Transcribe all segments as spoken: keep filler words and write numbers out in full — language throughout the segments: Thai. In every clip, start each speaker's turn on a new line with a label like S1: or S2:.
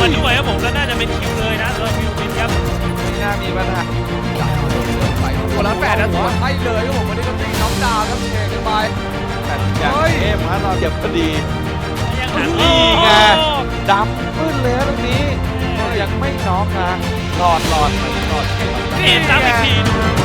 S1: มาด้วยครับผมแล้วน่าจะเป็นคิวเลยนะสำหรับคิววินครับ
S2: ไม่น่ามีปัญหา
S3: ไปตัวละแปดนะตัวให้เลยครับผมวันนี้ก็ตีน็อกดาวน์ครับเทกันไป
S2: แต่อย่างเอฟฮะเราเก็บพอดี
S1: ยังหา
S2: นี่ไงดำขึ้นเลยตรงนี้ยังไม่น็อกนะหลอดหลอดมันหลอด
S1: เห็นซ้ำอีกที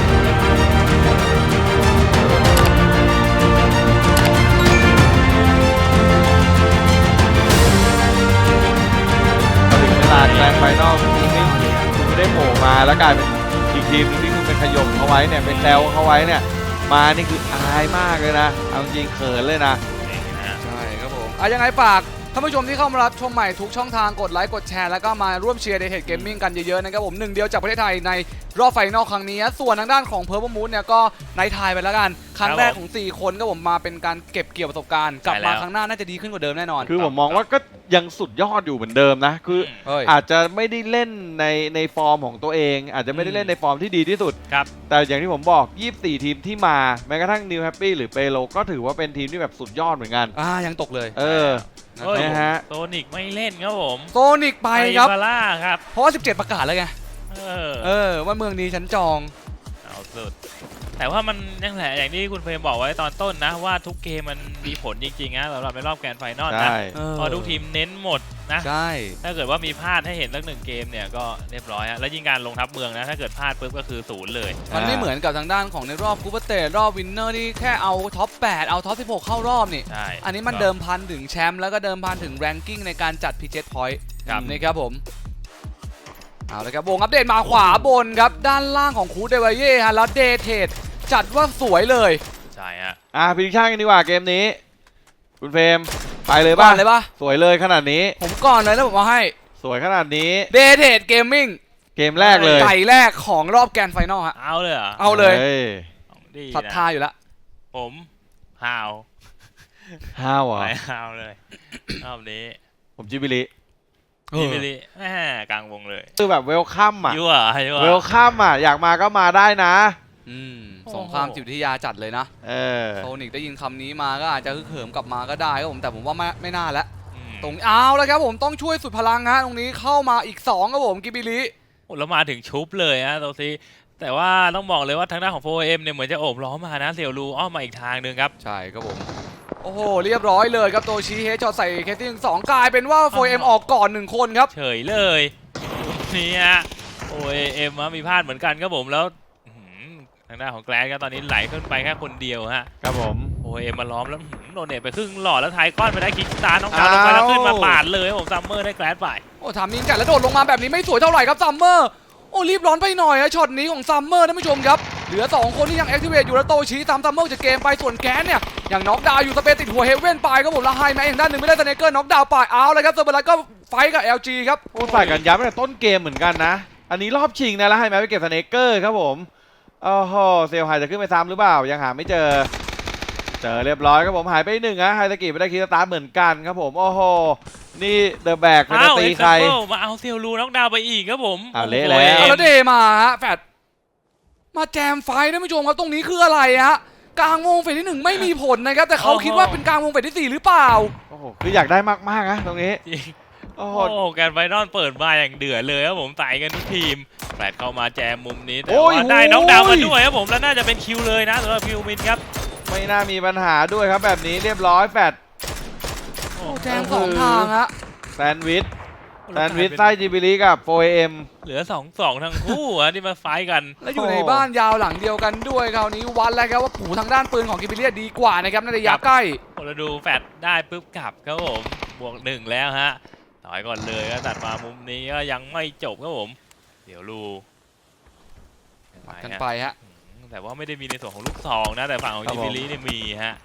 S2: ลาดแกรนด์ไฟนอลนี่ไม่ได้โผล่มาแล้วกลายเป็นอีกทีมนึงที่คุณเป็นขยมเขาไว้เนี่ยเป็นแซวเขาไว้เนี่ยมานี่คืออายมากเลยนะเอาจริงเขินเลยนะ
S3: ใช่ครับผมอ่ะยังไงฝากท่านผู้ชมที่เข้ามารับชมใหม่ทุกช่องทางกดไลค์กดแชร์แล้วก็มาร่วมเชียร์ในเทดเกมมิ่งกันเยอะๆนะครับผมหนึ่งเดียวจากประเทศไทยในรอบไฟนอลครั้งนี้ส่วนทางด้านของเพอร์ มูนเนี่ยก็ในไทยไปแล้วกันครั้งแรกของสี่คนก็ผมมาเป็นการเก็บเกี่ยวประสบการณ์กลับมาครั้งหน้าน่าจะดีขึ้นกว่าเดิมแน่นอน
S2: คือผมมองว่าก็ยังสุดยอดอยู่เหมือนเดิมนะคืออาจจะไม่ได้เล่นในในฟอร์มของตัวเองอาจจะไม่ได้เล่นในฟอร์มที่ดีที่สุดแต่อย่างที่ผมบอกยี่สิบสี่ทีมที่มาแม้กระทั่งนิวแฮปปี้หรือเปโลก็ถือว่าเป็นทีมที่แบบสุดยอดเหมือนกัน
S3: อ่ายังตกเลย
S2: เออ
S1: นะฮะโซนิกไม่เล่นครับผม
S3: โซนิกไปครับ
S1: บาร่าครับ
S3: เพราะว่าสิบเจ็ดประกาศแล้วไง
S1: เออ
S3: เออว่าเมืองนี้ฉันจอง
S1: เอาสุดแต่ว่ามันยังแหละอย่างที่คุณเฟรมบอกไว้ตอนต้นนะว่าทุกเกมมันมีผลจริงๆนะสำหรับในรอบแกรนด์ไฟนอลนะพอทุกทีมเน้นหมดนะ
S3: ใช่
S1: ถ้าเกิดว่ามีพลาดให้เห็นสักหนึ่งเกมเนี่ยก็เรียบร้อยฮะแล้วยิ่งการลงทับเมืองนะถ้าเกิดพลาดปุ๊บก็คือศูนย์เลย
S3: มันไม่เหมือนกับทางด้านของในรอบคูเปอร์เตรอบวินเนอร์ที่แค่เอาท็อปแปดเอาท็อปสิบหกเข้ารอบนี่อันนี้มันเดิมพันถึงแชมป์แล้วก็เดิมพันถึงแรงกิ้งในการจัดพีเจ็ตพอยต์นี่ครับผมเอาละครับวงอัปเดตมาขวาบนครับด้านล่างของคูเดวเย่ฮะแล้วเดเทดจัดว่าสวยเลย
S1: ใช่ฮะ
S2: อ่ะพิชชั่นกันดีกว่าเกมนี้คุณเฟรมไปเลยป่ะ
S3: เลยป่ะ
S2: สวยเลยขนาดนี้
S3: ผมก่อนเลยแล้วผมมาให้
S2: สวยขนาดนี้
S3: เดเทดเกมมิ่ง
S2: เกมแรกเลย
S3: ไก่แรกของรอบแกรนด์ไฟนอลฮะ
S1: เอาเลยเหรอ
S3: เอาเลยศรัทธาอยู่แล้ว
S1: ผมฮาว
S2: ฮาวอ่ะ
S1: ฮาวเลยรอบนี้
S2: ผมจิบิลิ
S1: จิบิลิแหมกลางวงเลย
S2: คือแบบเวลคัมอ่ะ
S1: ยั่วยั่ว
S2: เวลคัมอ่ะอยากมาก็มาได้นะ
S3: อืมสงครามจิตวิทยาจัดเลยนะ
S2: เออ
S3: โซนิกได้ยินคำนี้มาก็อาจจะฮึกเหิมกลับมาก็ได้ครับผมแต่ผมว่าไม่ไม่น่าแล้วตรงเอาแล้วครับผมต้องช่วยสุดพลังฮะตรงนี้เข้ามาอีกสองครับผมกิบิลิ
S1: โอ้แล้วมาถึงชุบเลยฮะตรงนี้แต่ว่าต้องบอกเลยว่าทางด้านของ โฟร์ เอ็ม เนี่ยเหมือนจะโอบล้อมมานะเสี่ยวรูอ้อมมาอีกทางหนึ่งครับ
S3: ใช่ครับผมโอ้โหเรียบร้อยเลยครับตัวชี้เฮดช็อตใส่เคสที่หนึ่งสองกลายเป็นว่า โฟร์ เอ็ม ออกก่อนหนึ่งคนครับ
S1: เฉยเลยนี่ฮะ โฟร์ เอ็ม มีพลาดเหมือนกันครับผมแล้วทางด้านของแกลนก็ตอนนี้ไหลขึ้นไปแค่คนเดียวฮะ
S2: ครับผม
S1: โฟร์ เอ็ม มาล้อมแล้วโดนเนตไปครึ่งหลอดแล้วไทยก้อนไปได้คิกตาน้องดาวลงไปแล้วขึ้นมาปาดเลยผมซัมเมอร์ได้แกลนไป
S3: โอ้ทำมิงกัดแล้วโดดลงมาแบบนี้ไม่สวยเท่าไหร่ครับซัมเมอร์โอ้รีบร้อนไปหน่อยฮะช็อตนี้ของซัมเมอร์ท่านผู้ชมครับเหลือสองคนที่ยังแอคทีเวตอยู่แล้วโตชีตามซัมเมอร์จากเกมไปส่วนแกนเนี่ยอย่างน็อกดาวอยู่สเปซติดหัวเฮเว่นไปครับผมแล้วไฮแม็กอย่างด้านหนึ่งไม่ได้สเนเกอร์น็อกดาวไปเอาเลยครับเซอร์เบอร์ไลท์ก็ไฟกับ แอล จี ครับ
S2: โอ้ใส่กันยับตั้งแต่ต้นเกมเหมือนกันนะอันนี้รอบชิงนะแล้วไฮแม็กไปเก็บสเนเกอร์ครับผมโอ้โหเซลไฮจะขึ้นไปซ้ำหรือเปล่ายังหาไม่เจอเจอเรียบร้อยครับผมหายไปหนึ่งนะไฮสกิไม่ได้คิดสตาร์ทเหมือนกันครับผมโอ้โหนี่เดอะแบกไม่ได้ตีใคร
S1: มาเอาเซลลูน็อกดาวไปอีกครับผม
S2: เอาเละแล้ว
S3: แล้วเดมาฮะแฟดมาแจมไฟท่านผู้ชมครับตรงนี้คืออะไรฮะกลางวงเฟสที่หนึ่งไม่มีผลนะครับแต่เขาคิดว่าเป็นกลางวงเฟสที่สี่หรือเปล่า
S2: โอ้โหคืออยากได้มากๆนะตรงนี้
S1: โอ้โหแกนไฟนอลเปิดมาอย่างเดือดเลยครับผมไต่กันทุกทีมแฟดเข้ามาแจมมุมนี้แต่ว่าได้น็อกดาวมาด้วยครับผมแล้วน่าจะเป็นคิวเลยนะสำหรับคิวมินครับ
S2: ไม่น่ามีปัญหาด้วยครับแบบนี้เรียบร้อยแฟด
S3: โอ้แจมสองทางฮะ
S2: แซนด์วิชแซนด์วิชไส้จิบิลิกับ โฟร์ เอ็ม
S1: เหลือสอง สองทั้งคู่อะที่มาไฟกัน
S3: แล้วอยู่ในบ้านยาวหลังเดียวกันด้วยคราวนี้วัดแล้วครับว่าผูทางด้านปืนของกิบิลิดีกว่านะครับในระยะใกล้
S1: เราดูแฟดได้ปุ๊บกลับครับผมบวกหนึ่งแล้วฮะต่อยก่อนเลยก็ตัดมามุมนี้ก็ยังไม่จบครับผมเดี๋ยวรู
S3: ปัดกันไปฮะ
S1: แต่ว่าไม่ได้มีในส่วนของลูกซองนะแต่ฝั่งของจิบิลิเนี่ยมีฮะ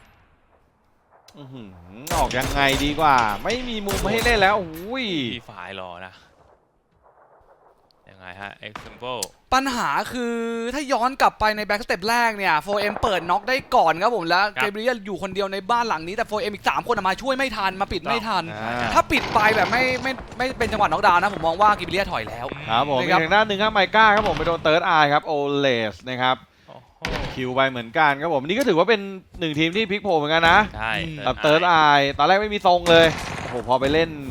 S2: ออกยังไงดีกว่าไม่มีมุมให้เล่นแล้วอุ้ย
S1: ที่ฝ่ายรอนะยังไงฮะ example
S3: ปัญหาคือถ้าย้อนกลับไปในแบ็กสเต็ปแรกเนี่ย โฟร์ เอ็ม เปิดน็อกได้ก่อนครับผมแล้วเกเบรียลอยู่คนเดียวในบ้านหลังนี้แต่ โฟร์ เอ็ม อีกสามคนมาช่วยไม่ทันมาปิดไม่ทันถ้าปิดไปแบบไม่ไม่ไม่เป็นจังหวะน็อกดาวน์นะผมมองว่าเกเบรียลถอยแล้ว
S2: ครับผมอีกทางด้านหนึ่งครับไมก้าครับผมไปโดนเติร์ดไอครับโอเลสนะครับคิวไปเหมือนกันครับผมนี่ก็ถือว่าเป็นหนึ่งทีมที่พลิกโผล่เหมือนกันนะ
S1: ใช่
S2: กับเติร์ดไอตอนแรกไม่มีทรงเลยโอ้โหพอไปเล่น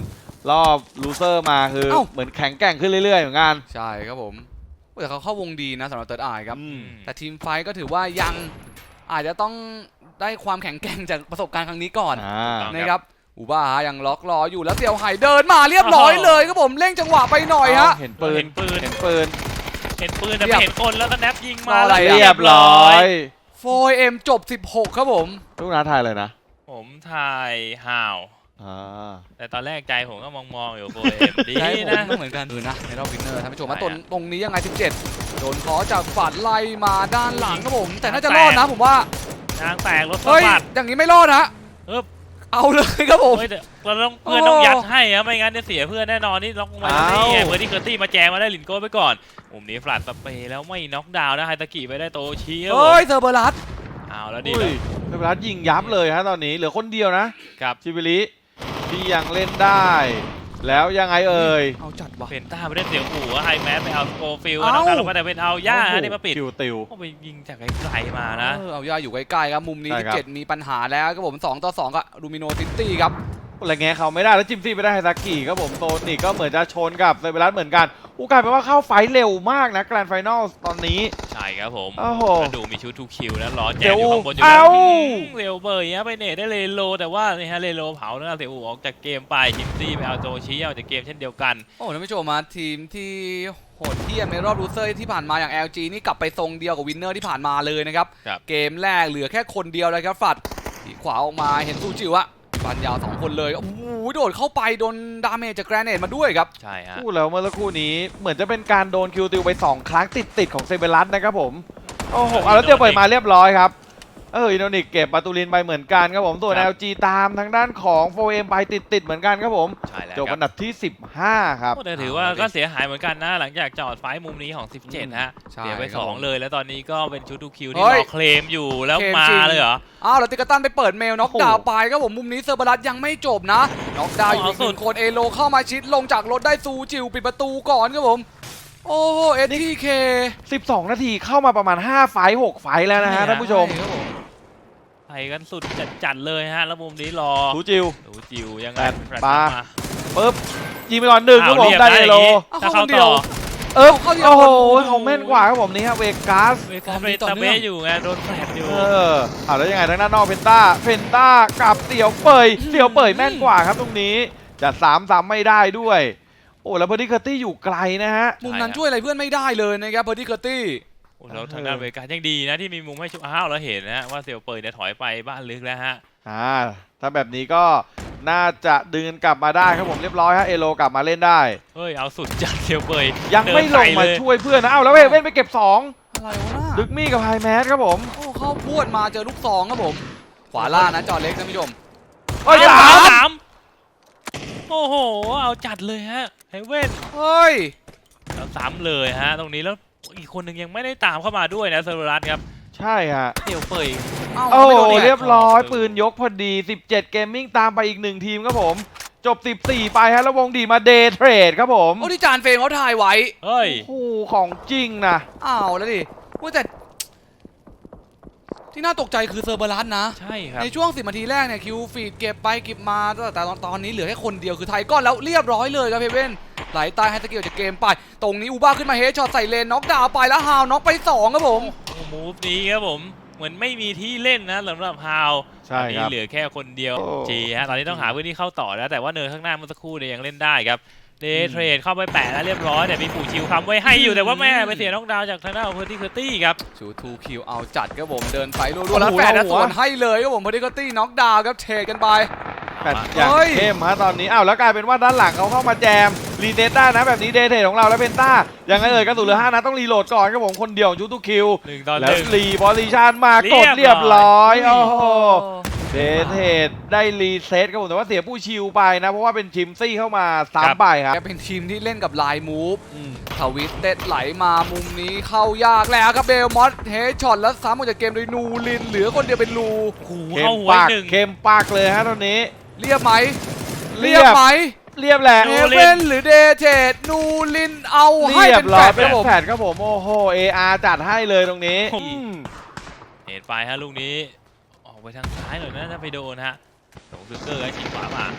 S2: รอบลูเซอร์มาคือ
S3: เอ้า
S2: เหมือนแข็งแกร่งขึ้นเรื่อยๆเหมือนกัน
S3: ใช่ครับผมแต่เขาเข้าวงดีนะสำหรับเติร์ดไอครับ
S2: อืม
S3: แต่ทีมไฟท์ก็ถือว่ายังอาจจะต้องได้ความแข็งแกร่งจากประสบการณ์ครั้งนี้ก่อน
S2: อ่า
S3: นะครับอูบ้ายังล็อกรออยู่แล้วเสี่ยวไห่เดินมาเรียบร้อยเลยครับผมเร่งจังหวะไปหน่อยฮะ
S2: เห็นปืน
S1: เห็นปืน
S2: เห็นปืน
S1: เห็นปืนแต่
S3: เรียบ
S1: ไม่เห็นคนแล้วก็แนบยิง
S3: ร
S1: มา
S3: ออะไร
S1: แล้ว
S2: เรียบร้อย
S3: โฟร์เอ็มจบสิบหกครับผม
S2: ลูกน้าทายเลยนะ
S1: ผมทายห่าว
S2: อ่า
S1: แต่ตอนแรกใจผมก็มองๆอยู่โฟเอ็มดี
S3: ใช่ผม
S1: นะ
S3: ก็เหมือนกันเออนะในรอบวินเนอร์ท่านผู้ชมมา
S1: ใช่
S3: ตรง
S1: ฮะ
S3: ตรงนี้ยังไงสิบเจ็ดโดนขอจากฝันไล่มาด้านหลังครับผม แต่น่าจะรอดนะผมว่า
S1: ยางแตกรถสะ
S3: เฮ้ย
S1: บัด
S3: อย่างนี้ไม่รอดฮะ
S1: เอิบ
S3: เอาเลยครับผม
S1: เฮ้ยแต่เราต้องเพื่อนต้องยัดให้อะไม่งั้นจะเสียเพื่อนแน่นอนนี่ล็อกมาที่นี่ไงเพื่อนที่เคอร์ตี้มาแจมมาได้ลินโก้ไปก่อนมุมนี้ฟลัดสเปรย์แล้วไม่น็อกดาวน์นะไฮตากิไปได้โตชิครับผม
S3: เฮ้ยเซอร์เบอร์รัส
S1: เอาแล้วดี
S2: อุ้
S1: เลย ย
S2: เทพรัตน์ยิงยับเลยฮะตอนนี้เหลือคนเดียวนะครับ ชิบิลิที่ยังเล่นได้ แล้วยังไงเอ่ย
S3: เอาจัดว่ะ
S1: เพนต้าไปได้เสียงหูไฮแมสไปเอาโกฟิล
S3: เอ้า
S1: น้องดาวลงมาแต่เป็นเอาย่าฮะนี่มาปิด
S2: คิวติว
S1: ก็ไปยิงจากไกลๆมานะ
S3: เออเอาย่าอยู่ใกล้ๆครับมุมนี้
S2: ใช่
S3: ที่
S2: ครับ
S3: เจ็ดมีปัญหาแล้วครับผมสองต่อสองกับลูมิโนซิตี้ครับ
S2: อะไรเงี้ยเขาไม่ได้แล้วจิมซี่ไปได้ไฮซากิครับผมโซนิกก็เหมือนจะชนกับเซเบรัสเหมือนกันอู้กลายเป็นว่าเข้าไฟท์เร็วมากนะแกรนด์ไฟนอลตอนนี้
S1: ใช่ครับผม
S2: โอ้โห
S1: แล้วดูมีชุดทูคิวนะรอแจ
S2: เดี๋
S1: ม
S2: ยว
S1: อยู่ข้างบนอยู่
S2: เอ้า
S1: แล้วเร็วเบอร์เนี้ยไปเนตได้เลโลแต่ว่านี่ฮะเลโลเผานะเสียอูออกจากเกมไปจิมซี่ไปเอาโจชิออกจากเกมเช่นเดียวกัน
S3: โอ้ท่านผู้ชมมาทีมที่โหดเหี้ยมในรอบลูเซอร์ที่ผ่านมาอย่าง แอล จี นี่กลับไปทรงเดียวกับวินเนอร์ที่ผ่านมาเลยนะครับ
S1: ครับ
S3: เกมแรกเหลือแค่คนเดียวเลยครับฝัดทีขวาออกมาเห็นซูจิวะฟันยาวสองคนเลยโอ้โหโดดเข้าไปโดนดาเมจจากแกรเนตมาด้วยครับ
S1: ใช่ฮะ
S2: พูดแล้วเมื่อสักครู่นี้เหมือนจะเป็นการโดนคิวติวไปสองครั้งติดๆของเซเบรัสนะครับผมโอ้โหเอาแล้วเตียวเปิดมาเรียบร้อยครับเอออินโดนิกเก็บปาตูลินไปเหมือนกันครับผมส่วน
S1: ครั
S2: แอบ ล จี ตามทางด้านของ โฟร์ เอ็ม ไปติดๆเหมือนกันครับผม
S1: ใช่แล้ว
S2: จบ
S1: ครั
S2: อั
S1: บ
S2: นดับที่สิบห้าครับ
S1: โอ้แต่ถือว่าก็เสียหายเหมือนกันนะ หลังจากจอดไฟล์มุมนี้ของ สิบเจ็ด ฮะ
S3: ใช่
S1: เสียไป
S3: ครับ
S1: สอง
S3: ผม
S1: เลย แล้วตอนนี้ก็เป็นชุดทูคิว
S3: เฮ้
S1: ที่
S3: ย
S1: รอเคลมอยู่แล้ว
S3: เคลม
S1: มา
S3: จริง
S1: เลยเหรอ
S3: อ้าวแล้วติกาตันไปเปิดเมลน็อกดาวน์ไปครับผมมุมนี้เซอร์บารัสยังไม่จบนะน็อกดาวน์อยู่
S1: เอา
S3: อีก
S1: สุ
S3: ห
S1: ด
S3: นึ่งคนเอโลเข้ามาชิดลงจากรถได้ซูจิวปิดประตูก่อนครับผมโอ้โหเอทีเค
S2: สิบสอง นาทีเข้ามาประมาณห้าไฟท์หกไฟท์แล้วนะฮะท่านผู้ชม
S3: ครับผม
S1: ไปกันสุดจัดๆเลยฮะ แล้วมุมนี้รอ
S2: ทูจิว
S1: ดูจิวยังไง
S2: แปด
S1: แฟลช
S2: ปา
S1: มา
S2: ปึ๊บยิงไปก่อนหนึ่งครับผม
S1: อ้าว
S2: ได้
S1: เรี
S2: เอย
S1: บ
S2: โล
S1: นะ ถ้าเข้าต่อ
S2: เอ๊บ
S3: เข้าเดียว
S2: โอ้โห
S3: คน
S2: เขาแม่นกว่าครับผมนี่ฮะเวกัส
S1: เวกาเบตาเบะอยู่ไงโดนแฟลชอยู่
S2: เออเอาแล้วยังไงทางด้านนอกเพนต้าเพนต้ากับเสี่ยวเปยเสี่ยวเปยแม่นกว่าครับตรงนี้จะสามซ้ำไม่ได้ด้วย โอ้แล้วเบอร์ดี้เคอร์ตี้อยู่ไกลนะฮะ
S3: มุมนั้นช่วยอะไรเพื่อนไม่ได้เลยนะครับเบอร์ดี้เคอร์ตี้
S1: โอ้แล้วทางด้านเวกายังดีนะที่มีมุมให้ชุบอ้าวแล้วเห็นนะฮะว่าเซียวเปยเนี่ยถอยไปบ้านลึกแล้วฮะ
S2: อ่าถ้าแบบนี้ก็น่าจะดึงกลับมาได้ครับผมเรียบร้อยฮะเอโลกลับมาเล่นได้
S1: เฮ้ยเอาสุดจัดเซียวเปย
S2: ยังไม่ลงมาช่วยเพื่อนนะเอ้าแล้วเว้ยเว้นไปเก็บสอง
S3: อะไรวะน่ะ
S2: ดึกมี่กับไฮแมสครับผม
S3: โอ้เข้าพวดมาเจอลูกซองครับผม ขวาล่างนะจอเล็กท่านผู้ชม
S2: เอ้ย
S1: เอ้ย
S2: สาม
S1: สามโอ้โหเอาจัดเลยฮะเฮเว่น
S3: เฮ้ย
S1: แล้วซ้ำเลยฮะตรงนี้แล้วอีกคนหนึ่งยังไม่ได้ตามเข้ามาด้วยนะเซอร์รัสครับ
S2: ใช่ฮะ
S1: เซียวเปย
S3: เอ้า
S2: โอ้
S3: ไม่โดน
S2: เรี
S3: เนี่ย
S2: ยบร้อย
S1: เออ
S2: ปืนยกพอดีสิบเจ็ดเกมมิ่งตามไปอีกหนึ่งทีมครับผมจบสิบสี่ไปฮะแล้ววงดีมาเดย์เทรดครับผม
S3: โอ้ที่จานเฟรมเขาถ่ายไว้
S1: เฮ้ย
S2: โอ้โหของจริงนะ
S3: อ้าวแล้วดิว่าแต่ที่น่าตกใจคือเซอร์เบอรัสนะ
S1: ใช่ครับ
S3: ในช่วงสิบนาทีแรกเนี่ยคิวฟีดเก็บไปเก็บมาแต่ตอนตอนนี้เหลือแค่คนเดียวคือไทยก้อนแล้วเรียบร้อยเลยครับเพเว่นไหลตายให้สกิลจากเกมไป ตรงนี้อูบ้าขึ้นมาเฮดช็อตใส่เลนน็อกดาวน์ไปแล้วฮาวน็อกไปสองครับผม
S1: โอ้มูฟนี้ครับผมเหมือนไม่มีที่เล่นนะสำหรับฮาว
S2: ใช่
S1: ตอนนี้
S2: ครับ
S1: เหลือแค่คนเดียว
S2: โอ้
S1: จีฮะตอนนี้ต้องหาพื้นที่เข้าต่อแล้วแต่ว่าเนินข้างหน้าเมื่อสักครู่เนี่ยยังเล่นได้ครับเดย์เทรดเข้าไปแปะแล้วเรียบร้อยแต่มีปู่ชิวคำไว้ให้อยู่แต่ว่าแม่ไปเสียน็อกดาวน์จากทางด้านของเพิร์ตี้เคอร์ตี้ครับ
S3: ชูทูคิวเอาจัดครับผมเดินไปรัวๆแล้วแฟนนะส่วนให้เลยครับผมพอดีก็ตี้น็อกดาวน์ครับเทกันไป
S2: แปดอย่าง
S3: เฮ้ย
S2: เข้มฮะตอนนี้อ้าวแล้วกลายเป็นว่าด้านหลังเขาเข้ามาแจมรีเซ็ตได้นะแบบนี้เดย์เทรดของเราแล้วเพนต้ายังไงเอ่ยกระสุนเหลือห้านัดต้องรีโหลดก่อนครับผมคนเดียวของยูทูคิว
S1: หนึ่งต่อห
S2: แล้ว
S1: นึ่ง
S2: รีบอลิชันมากด
S1: เรี
S2: เรีย
S1: ย
S2: บบ
S1: ร้
S2: ร้
S1: อ
S2: อย ยโอ้โหเดย์เทรดได้รีเซ็ตครับผมแต่ว่าเสียผู้ชิวไปนะเพราะว่าเป็นชิมซี่เข้ามาสามใบครับ
S3: แกเป็นทีมที่เล่นกับลายมูฟ
S2: อืม
S3: ทวิตเต็ดไหลมามุมนี้เข้ายากแล้วครับเบลมอสเฮดช็อตแล้วซ้ำออกจากเกมโดยนูลินเหลือคนเดียวเป็นลู
S1: โอ้โห
S2: เข้
S1: เข้าม หัว
S2: ปาก
S1: หนึ่ง
S2: เข้มปากเลยฮะตอนนี้
S3: เรียบไหม
S2: เรี
S3: เรี
S2: ย
S3: ย
S2: บ
S3: บไหม
S2: เรียบแหละ
S3: เอเว่นหรือเดเทดนูลินเอาให้
S2: เรีย
S3: เป็
S2: บ
S3: น
S2: ร้
S3: แฟ
S2: อย
S3: ด
S2: เป็
S3: คน รับผม
S2: แผดครับผมโอ้โห เอ อาร์ จัดให้เลยตรงนี้อืม
S1: เห็นไปฮะลูกนี้ออกไปทางซ้ายหน่อยนะถ้าไปโดนฮะสองซึเกอร์ก็ชิงขวามา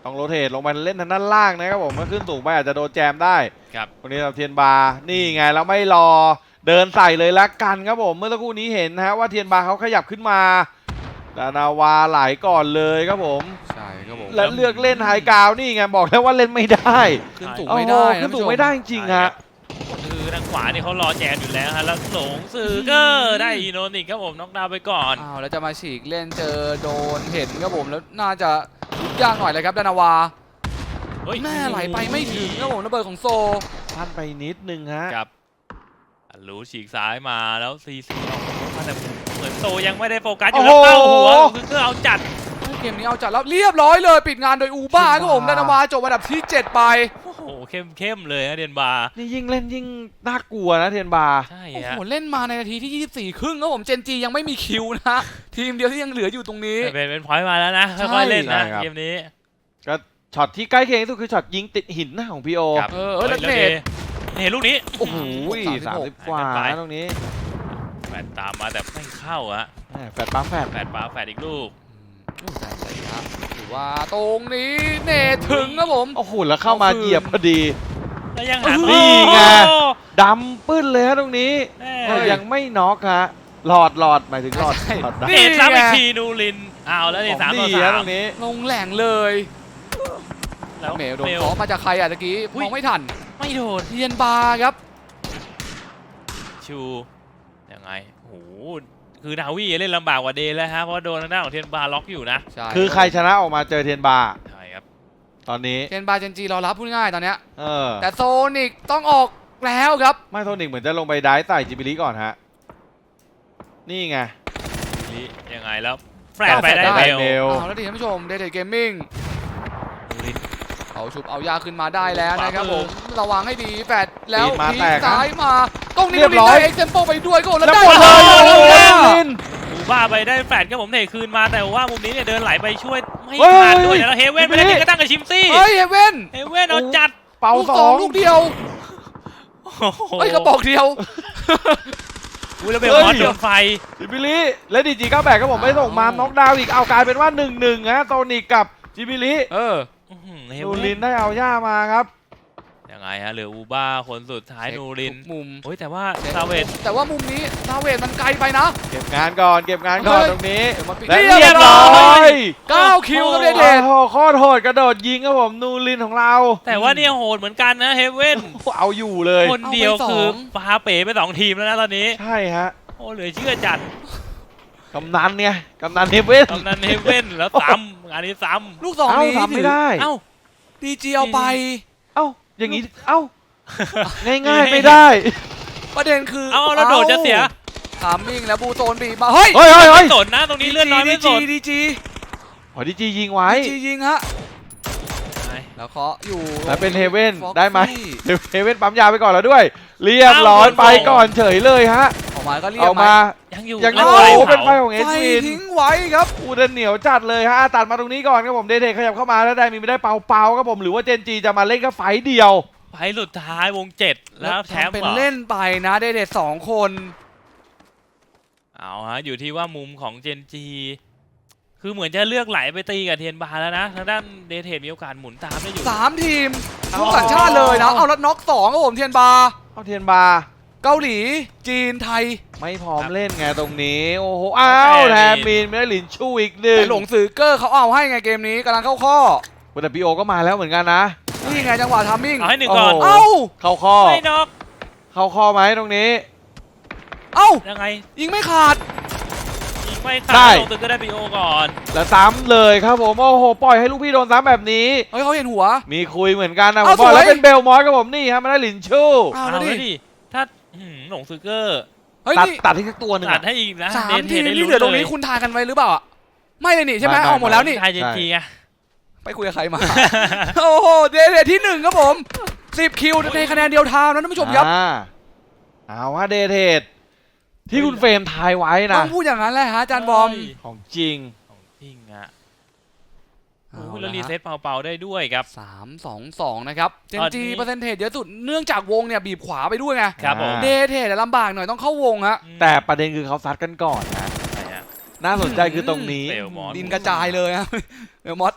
S2: ต้องโรเทตลงไปเล่นทางด้านล่างนะครับผมเมื่อขึ้นสูงไปอาจจะโดนแจมได้
S1: ครับ
S2: วันนี้เราเทียนบาร์นี่ไงแล้วไม่รอเดินใส่เลยละกันครับผมเมื่อสักครู่นี้เห็นนะฮะว่าเทียนบาร์เขาขยับขึ้นมาดานาวาไหลก่อนเลยครับผม
S3: ใช่ครับผม
S2: และเลือกเล่นไฮกราวนี่ไงบอกแล้วว่าเล่นไม่ได้
S3: ขึ้นสูงไม่ได้
S2: โอ้โห
S3: นะ
S2: ขึ้นสูง
S3: ผู้ช
S2: ไม่ได้จริงๆฮะ
S1: คือทางขวานี่เขารอแจนอยู่แล้วฮะแล้วหลงซือเกอร์ได้อีโนนิกครับผมน็อกดาวน์ไปก่อน
S3: อ้าวแล้วจะมาฉีกเล่นเจอโดนเห็นครับผมแล้วน่าจะยุบยากหน่อยเลยครับดานาวา
S1: เฮ้ย
S3: แม่ไหลไปไม่ถึงครับผมระเบิดของโซ
S2: พลาดไปนิดนึงฮะ
S1: ครับอันรู้ฉีกซ้ายมาแล้วซีซีมาแต่เหมือนโซยังไม่ได้โฟกัสอยู่แล้วเป้าหัวคือก็เอาจัด
S3: เกมนี้เอาจัดแล้วเรียบร้อยเลยปิดงานโดยอูบ้าครับผมดานาวาจบอันดับที่เจ็ดไป
S1: โอ้โหเข้มเข้มๆเลยนะเดียนบาร์
S2: นี่ยิ่งเล่นยิ่งน่ากลัวนะเทียนบาร์
S1: ใช่
S3: โอ้
S1: ฮะ
S3: โหเล่นมาในนาทีที่ยี่สิบสี่ครึ่งครับผมเจนจียังไม่มีคิวนะทีมเดียวที่ยังเหลืออยู่ตรงนี้
S1: เป็นเป็นพอยต์มาแล้วนะ
S3: ใช่
S1: ค่อยๆเล่นนะเกมนี้
S2: ก็ช็อตที่ใกล้เคียงที่สุดคือช็อตยิงติดหินนะของพีโอ
S1: ครับ
S3: เออเออแล้วเนต
S1: เห็นลูกนี้
S2: โอ้โหสามสิบกว่า
S1: ไป
S2: นะตรงนี้
S1: แฟดตามมาแต่ไม่เข้าอะ
S2: แหม่แฟดปั๊มแฟด
S1: แฟดปาแฟดอีกลูก
S3: อืมแต่ใส่ครับถือว่าตรงนี้เนตถึงครับผม
S2: โอ้โหแล้วเข้ามาเหยียบพอดี
S1: แล้วยังหา
S2: นี่ไง
S1: โอ้
S2: ดำปื้นเลยฮะตรงนี้
S1: แม่
S2: แต่ยังไม่น็อกฮะหลอดหลอดหมายถึงหลอดหลอดได้
S1: เนตซ้ำอีกทีนูรินอ้าวแล้วนี่สามต่อ
S2: ดี
S1: สา
S2: ฮะ
S1: ม
S2: ตรงนี้
S3: ลงแหล่งเลย
S1: แล้ว
S3: เมลโดน
S1: เมล
S3: เคาะมาจากใครอ่ะตะกี้
S1: อุ๊ย
S3: มองไม่ทัน
S1: ไม่โดน
S3: เทียนบาร์ครับ
S1: ชูยังไงโอ้โหคือดาวี่เล่นลำบากกว่าเดย์แล้วฮะเพราะว่าโดนทางด้านของเทียนบาร์ล็อกอยู่นะ
S3: ใช่
S2: คือใครชนะออกมาเจอเทียนบาร์
S1: ใช่ครับ
S2: ตอนนี้
S3: เทียนบาร์เจนจีรอรับพูดง่ายตอนเนี้ย
S2: เออ
S3: แต่โซนิกต้องออกแล้วครับ
S2: ไม่โทนิกเหมือนจะลงไปได้ใส่จิบิลิก่อนฮะนี่ไง
S1: นี่ยังไงแล้วแฟลชไปได้
S2: แฟลชได้
S1: เม
S2: เม
S1: ล
S2: ล
S3: เอาแล้วดิท่านผู้ชมเดทเกมมิ่ง
S1: นูริน
S3: เอาชุบเอายาขึ้นมาได้แล้ว
S1: ขวา
S3: นะครับ
S1: มื
S3: ผ
S1: อ
S3: มระวังให้ดีแฟดแล้ว
S2: ปีนมา
S3: พี
S2: แตกนะ
S3: ซ้ายมาตรงนี้
S2: เรียบร้อย
S3: เอ็กเซมโปไปด้วยก็แล้ว
S2: แล้ว
S3: ได้
S2: หมดเลย
S3: แว
S2: โอ้โห
S3: แล้ว
S2: ลิน
S1: อูบ้าไปได้แฟลชก็ผมเทคืนมาแต่ว่ามุมนี้เนี่ยเดินไหลไปช่วยไม่
S2: เฮ้ย
S1: ทันด้วยแล้วเฮเว่นไปได้
S2: นี่
S1: ก็ตั้งกับชิมซี่
S3: เฮ้ยเฮเว่น
S1: เฮเว่นเอาจัด
S2: เป่า
S3: ลูก
S2: ส
S3: ส
S2: อ
S3: อง
S2: ง
S3: ลูกเดียว
S1: โอ้โห
S3: เฮ้ยกระบอกเดียว
S1: อุ้ยแล้วเบลมอนโดนไฟ
S2: จิบิลิและดีจีเก้าแปดครับผมไม่ส่งมาน็อกดาวน์อีกเอากลายเป็นว่าหนึ่งหนึ่งฮะโทนิกกับจิบิลิ
S3: เออ
S1: อื้อหือเฮ
S2: นู
S1: เว่
S2: ริ
S1: น
S2: นได้เอาย่ามาครับ
S1: ยังไงฮะเหลืออูบ้าคนสุดท้ายนูริน
S3: ทุกมุม
S1: โอ้ยแต่ว่าซาเวต
S3: แต่ว่ามุมนี้ซาเวตมันไกลไปนะ
S2: เก็บงานก่อนเก็บงานก่อน
S3: เฮ้ย
S2: ตรงนี้
S3: เดี๋ยวมาปิด
S2: และ
S3: เรี
S2: เรี
S3: ย
S2: ย
S3: บบ ร้
S2: ร้
S3: อ
S2: อย ย
S3: เก้าคิวครับเด
S2: โอ้
S3: เดท
S2: โหโคตรโหดกระโดดยิงครับผมนูรินของเรา
S1: แต่ว่าเนี่ยโหดเหมือนกันนะเฮเว่น
S2: เอาอยู่เลย
S1: คนเดียวคือฟาเป๋ไปสองทีมแล้วนะตอนนี้
S2: ใช่ฮะ
S1: โอ้เหลือเชื่อจัด
S2: กำนันเนี่ยกำนันเฮเว่น
S1: ตอนนั้นเฮเว่นแล้วซ้ำงานนี้ซ้
S3: ลูกสอง
S2: เอ้า
S3: นี้
S2: ทำไม่ได้
S1: ำเอ้า
S3: ดีจีเอาไป
S2: เอ้าอย่างนี้เอ้าง่ายๆไม่ได้
S3: ประเด็นคือ
S1: เอาแล้วโดดจะเสีย
S3: ทามมิ่งแล้วบูโซนบีบมาเฮ้ย
S2: เฮ้ยเฮ้ยเฮ้
S1: ไม่
S2: ย
S1: สนนะตรงนี้เลื่อนน้อยไม่สน
S3: ดีจี
S2: ขอดีจียิงไว้
S3: ดีจียิงฮะแล้วเคาะอยู่
S2: แล้วเป็นเฮเว่น
S3: Foxy
S2: ได้ไหมเฮเว่นปั๊มยาไปก่อนแล้วด้วย เรียบร้อยไปก่อนเฉยเลยฮะ
S3: ออกมาก็เรีย
S2: เอา
S3: กไหม
S2: มา
S1: ยังอยู่
S2: ยัง
S1: แล้ว
S2: โอ้
S1: ไฟ
S2: โหเป็นไฟ
S1: เผา
S2: ของเอ
S3: ไฟ
S2: สวิน
S3: ทิ้งไว้ครับ
S2: อูเดนเหนียวจัดเลยฮะตัดมาตรงนี้ก่อนครับผมเดเทขยับเข้ามาแล้วได้มีไม่ได้เปาเปาครับผมหรือว่าเจนจีจะมาเล่นก็ไฟเดียว
S1: ไฟสุดท้ายวงเจ็ดแล้วแชมป์
S3: เป็น
S1: เหรอ
S3: เล่นไปนะเดเดสองคน
S1: เอาฮะอยู่ที่ว่ามุมของเจนจีคือเหมือนจะเลือกไหลไปตีกับเทียนบาร์แล้วนะทางด้านเดเทมีโอกาสหมุนตามได้อยู่
S3: สามทีมทุกสัญชาติเลยนะ เอาแล้วน็อกสองครับผมเทียนบาร์
S2: เอาเทียนบาร์
S3: เกาหลี จีนไทย
S2: ไม่พร้อมเล่นไงตรงนี้โอ้โหอ้าวแทมมีนไม่ได้หลินชูอีกหนึ่ง
S3: แต่หลงสื่อเกอร์เขาเอาให้ไงเกมนี้กำลังเข้าข้อ
S2: แต่พีโอก็มาแล้วเหมือนกันนะ
S3: นี่ไงจังหวะทามมิ่ง
S1: เอาให้หนึ่งก่อน
S2: โอ้โห
S3: เอ้า
S2: เข้าข้อ
S1: ไม่น็อก
S2: เข้าข้อไหมตรงนี้
S3: เอ้า
S1: ยังไง
S3: ยิงไม่ขาด
S1: ยิงไม่
S2: ได้
S1: ขาดลงตึกก็ได้ปีโอก่อน
S2: แล้วซ้ำเลยครับผมโอ้โหปล่อยให้ลูกพี่โดนซ้ำแบบนี้
S3: เฮ้ยเขาเห็นหัว
S2: มีคุยเหมือนกันนะผ
S3: เอา
S2: มบอก
S3: สวย
S2: แล้วเป็นเบลมอสครับผมนี่ฮะไม่ได้หลินชู
S3: เอา
S1: เอา
S3: แล้ว
S1: แล้ว
S3: ดิ
S1: ดิถ้าหืมหลงซึเกอร์
S3: เฮ้ย
S2: ตัด
S3: นี่
S2: ตัดที่สักตัวหนึ่ง
S1: ตัด
S2: อะ
S1: ให้อีกนะ
S3: สาม
S1: เดนเท
S3: ทีม
S1: ได้
S3: ที่
S1: รู้
S3: เหลือตรง
S1: เล
S3: นี้
S1: ย
S3: คุณทายกันไว้หรือเปล่าอะไม่เลยนี่ใช่ไหม
S2: ไม่ไม่
S3: ออกหมดแล้วนี่
S1: ไทยเจนจีไง
S3: ไปคุยกับใครมา โอ้โหเดเดที่หนึ่งครับผมสิบคิวในคะแนนเดียวทาวน์นะท่านผู้ชมครับ
S2: อ่าเอาว่าเดเทดที่คุณเฟรมทายไว้นะ
S3: ต้องพูดอย่างนั้นแหละฮะอาจารย์บอม
S2: ของจริง
S1: ของจริงอะ
S3: เอา
S1: โอ้ย
S3: ละ
S1: แล้วรี
S3: ฮะ
S1: เซ็ตเป่าๆได้ด้วยครับ
S3: สามสองสองนะครับเจน
S1: ตอน
S3: จี
S1: นี้
S3: เปอร์เซ็นเทจเยอะสุดเนื่องจากวงเนี่ยบีบขวาไปด้วยไง
S1: ครับผม
S2: อ่า
S3: เดเทจลำบากหน่อยต้องเข้าวงฮะ
S2: แต่ประเด็นคือเขาซัดกันก่อนนะ
S1: ใช่ฮะ
S2: น่าสนใจคือตรงนี้
S1: เฟลมอส
S3: ดินกระจายเลยฮะ เอลมอส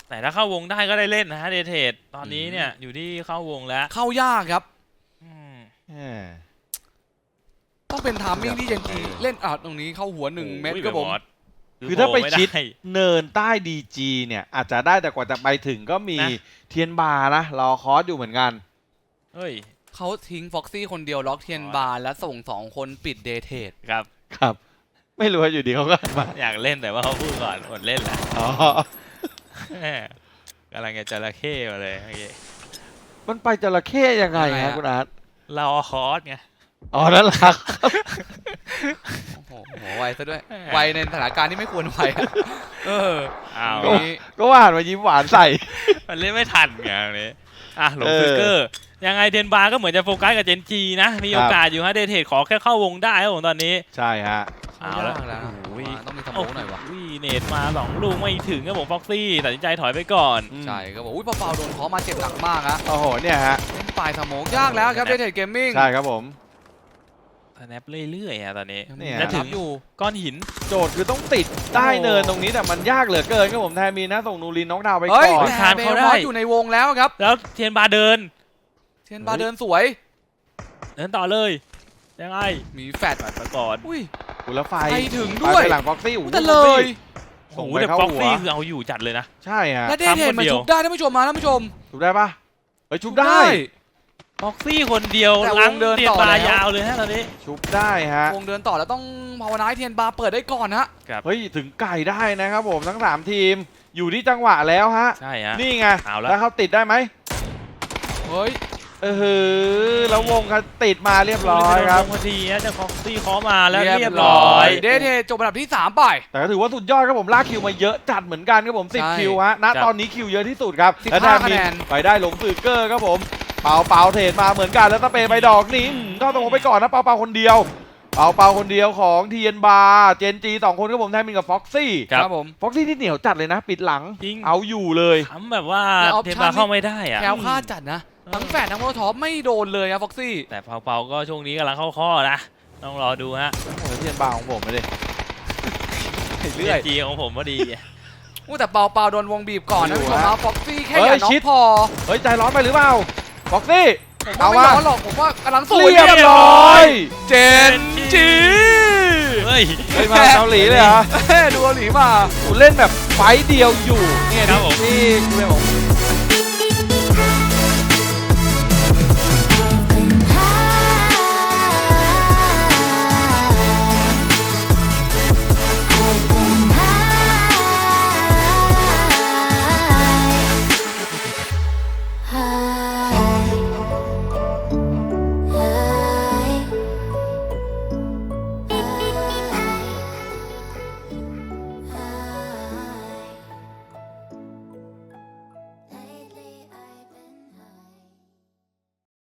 S1: แต่ถ้าเข้าวงได้ก็ได้เล่นนะฮะเดเทดตอนนี้เนี่ยอยู่ที่เข้าวงแล้ว
S3: เข้ายากครับ
S1: อืม
S2: แหม
S3: ต้องเป็นทามมิ่งที่เจนจีเล่นอ่ะตรงนี้เข้าหัวหนึ่งเม็ดครับผม
S2: คือถ้าไปชิด
S1: โผล่ม่
S2: เนินใต้ดีจีเนี่ยอาจจะได้แต่กว่าจะไปถึงก็มี
S1: นะ
S2: เทียนบาร์นะรอคอร์สอยู่เหมือนกัน
S1: เฮ้ย
S3: เขาทิ้งฟ็อกซี่คนเดียวล็อกเทียนบาร์และส่งสองคนปิดเดทเทด
S1: ครับ
S2: ครับ ไม่รู้ว่าอยู่ดีเขาก็มา
S1: อยากเล่นแต่ว่าเขาพูดก่อนอดเล่นแหละ
S2: อ๋อ
S1: แหม่กำลังจะจระเข้มาเลยเมื่อกี้
S2: มันไปจระเข้ยังไงฮะคุณอาร์ต
S1: เราคอร์สไง
S2: อ๋อนั่นแหละครับ
S3: โอ้โหหัวไวซะด้วย ไวในสถานการณ์ที่ไม่ควรไวอะเออ
S1: อ้าว
S2: ก็ ก็ว่าหันมายิ้มหวานใส่
S1: มันเล่นไม่ทันไงตรงนี้อ่ะหลง
S2: เออ
S1: ฟิกเกอร์ยังไงเทนบาร์ก็เหมือนจะโฟกัสกับเจนจีนะมีโอกาสอยู่ฮะเดเทดขอแค่เข้าวงได้ครับผมตอนนี้
S2: ใช่ฮะ
S1: เอาละ
S3: ยกแล้ว
S1: โอ้ย
S3: ต้องมีสโมองหน่อยวะ
S1: โอ้ยเนตมาสองลูกไม่ถึงครับผมฟ็อกซี่ตัดสินใจถอยไปก่อน
S3: ใช่ก็บอกอุ้ยเปาๆโดนเคอมาเจ็บหนักมากฮะ
S2: โอ้โหเนี่ยฮะ
S3: เล่นปลายสโมองยากแล้วครับเดทเทดเกมมิ่ง
S2: ใช่ครับผม
S1: สแนปเรื่อยๆอะตอนนี้
S2: เนี่ย
S1: จะถึง
S3: อยู่
S1: ก้อนหิน
S2: โจทย์คือต้องติดใต้เนินตรงนี้แต่มันยากเหลือเกินครับผมแทนมีนะส่งนูรินน้องดาวไป
S3: เฮ้ย
S2: ก่อน
S3: แต่
S1: ทาน
S3: เบ
S1: เขา
S3: ล
S1: ได้
S3: มอสอยู่ในวงแล้วครับ
S1: แล้วเทียนบาร์เดิน
S3: เทียนบาร์เดินสวย
S1: เดินต่อเลยยังไง
S3: มีแฟด
S1: ตัดไปก่อน
S3: อุ้ย
S2: กุลไฟ
S3: ไปถึงด้วย
S2: ไปหลังฟ็อกซี่
S3: แต่เลย
S1: โอ้
S2: ส่ง
S1: โห
S2: ไป
S1: แต่
S2: เข้า
S1: ฟ็อก
S2: หัว
S1: ซี่คือเอาอยู่จัดเลยนะ
S2: ใช่ฮะ
S3: และเดทเทดมัน
S1: ทำคนเดียว
S3: ชุบได้ท่านผู้ชมมาท่านผู้ชม
S2: ชุบได้ปะเฮ้ยชุบได้
S1: ฟ็อกซี่คนเดียว
S3: แต่วง
S1: ล้าง
S3: เดิน
S1: เทียน
S3: ต่อ
S1: บาร์
S3: แล้ว
S1: ยาวเลยฮะตอนนี้
S2: ชุบได้ฮะ
S3: วงเดินต่อแล้วต้องภาวนาให้เทียนบาร์เปิดได้ก่อนฮะ
S2: เฮ้ยถึงไก่ได้นะครับผมทั้งสามทีมอยู่ที่จังหวะแล้วฮะ
S1: ใช่ฮะ
S2: นี่ไง
S1: เอาละ
S2: แล้วเขาติดได้ไหม
S3: เฮ้ย
S2: เออหือแล้ววงเขาติดมาเรียบร้อยครับ
S1: พอดีฮะจะฟ็อกซี่เคาะมาแล้ว
S3: เรี
S1: เรี
S3: ย
S1: ย
S3: บบ ร้
S1: ร้
S3: อ
S1: อย ย
S3: เดทเทดจบอันดับที่สามไป
S2: แต่ก็ถือว่าสุดยอดครับผมลากคิวมาเยอะจัดเหมือนกันครับผมสิบ
S3: ใช่
S2: คิวฮะณตอนนี้คิวเยอะที่สุดครับ
S3: สิบ
S2: และ
S3: ห้า
S2: แทนมี
S3: คะแนน
S2: ไปได้หลงสือเกอร์ครับผมเปาเปาเทรดมาเหมือนกันแล้วตะเปไปดอกนี้อืมเข้าตรงไปก่อนนะเปาเปาคนเดียวเปาเปาคนเดียวของเทียนบาร์เจนจีสองคนครับผมแทนมีกับฟ็อกซี่
S1: ครับ
S3: ผม
S2: ฟ็อกซี่ที่เหนียวจัดเลยนะ ปิดหลัง
S1: จริง
S2: เอาอยู่เลย
S1: ทำแบบว่า
S3: แล้ว
S1: เทน
S3: option
S1: บาร์เข้าไม่ได้อะ
S3: แคล้วคลาดจัดนะ ทั้งแฟดทั้งโมโลท็อปไม่โดนเลยอะฟ็อกซี่
S1: แต่เปาๆก็ช่วงนี้กำลังเข้าข้อนะต้องรอดูฮะ
S2: โอ้โหเทียนบาร์ของผมไม่ได้
S3: เรื่อย
S1: จีของผมพอดี
S3: อู้แต่เปาเปาโดนวงบีบก่อนนะ
S2: อยู่
S3: ผู้ชม
S2: ฮะ
S3: ครับฟ็อกซี่แค่
S2: เฮ้ย
S3: อย่าน็อ
S2: ชิด
S3: กพอ
S2: เฮ้ยใจร้อนไปหรือเปล่าฟ็อกซี่
S3: ผมว่าไม่ร้อนหรอกผมว่ากำลังสวย
S2: เรียบร้อย
S3: เจนจี
S1: เฮ้ย
S2: เฮ้ยมาเกาหลีเลยเหรอ
S3: เฮ้ยดูเกาหลีมา
S2: กูเล่นแบบไฟต์เดียวอยู่เนี่ย
S1: ครับผม
S2: ที่กูเป็นของ